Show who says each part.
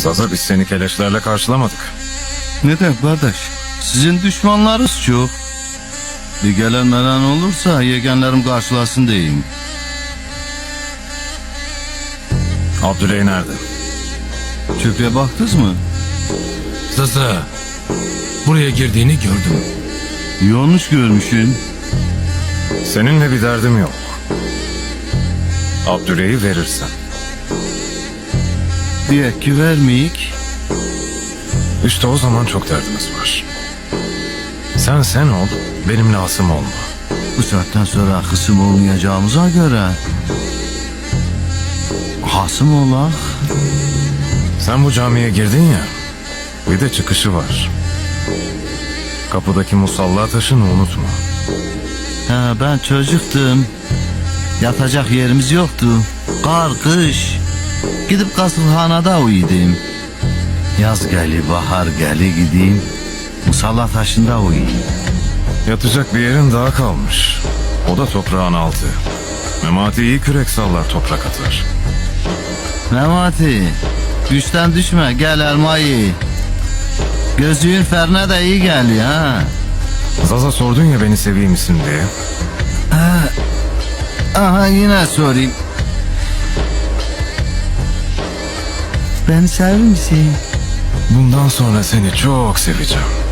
Speaker 1: Zaza biz seni keleşlerle karşılamadık.
Speaker 2: Neden kardeş? Sizin düşmanlarınız çok. Bir gelen melen olursa yegenlerim karşılasın diyeyim.
Speaker 1: Abdüley nerede?
Speaker 2: Çöpüye baktınız mı?
Speaker 3: Zaza, buraya girdiğini gördüm.
Speaker 2: Yanlış görmüşsün.
Speaker 1: Seninle bir derdim yok. Abdüley'i verirsen.
Speaker 2: Diye ki vermeyik.
Speaker 1: İşte o zaman çok derdimiz var. Sen ol, benimle hasım olma.
Speaker 2: Bu saatten sonra kısım olmayacağımıza göre hasım olak.
Speaker 1: Sen bu camiye girdin ya, bir de çıkışı var. Kapıdaki musalla taşını unutma.
Speaker 2: Ha, ben çocuktum. Yatacak yerimiz yoktu. Kar, kış. Gidip kasılhanada uyudum. Yaz geli, bahar geli gideyim. Musalla taşında uyuyayım.
Speaker 1: Yatacak bir yerin daha kalmış. O da toprağın altı. Memati iyi kürek sallar, toprak atar.
Speaker 2: Memati, güçten düşme, gel elmayı. Gözlüğün ferne de iyi geliyor ha.
Speaker 1: Zaza sordun ya beni seveyim misin diye.
Speaker 2: Aha yine sorayım. Beni sever misin?
Speaker 1: Bundan sonra seni çok seveceğim.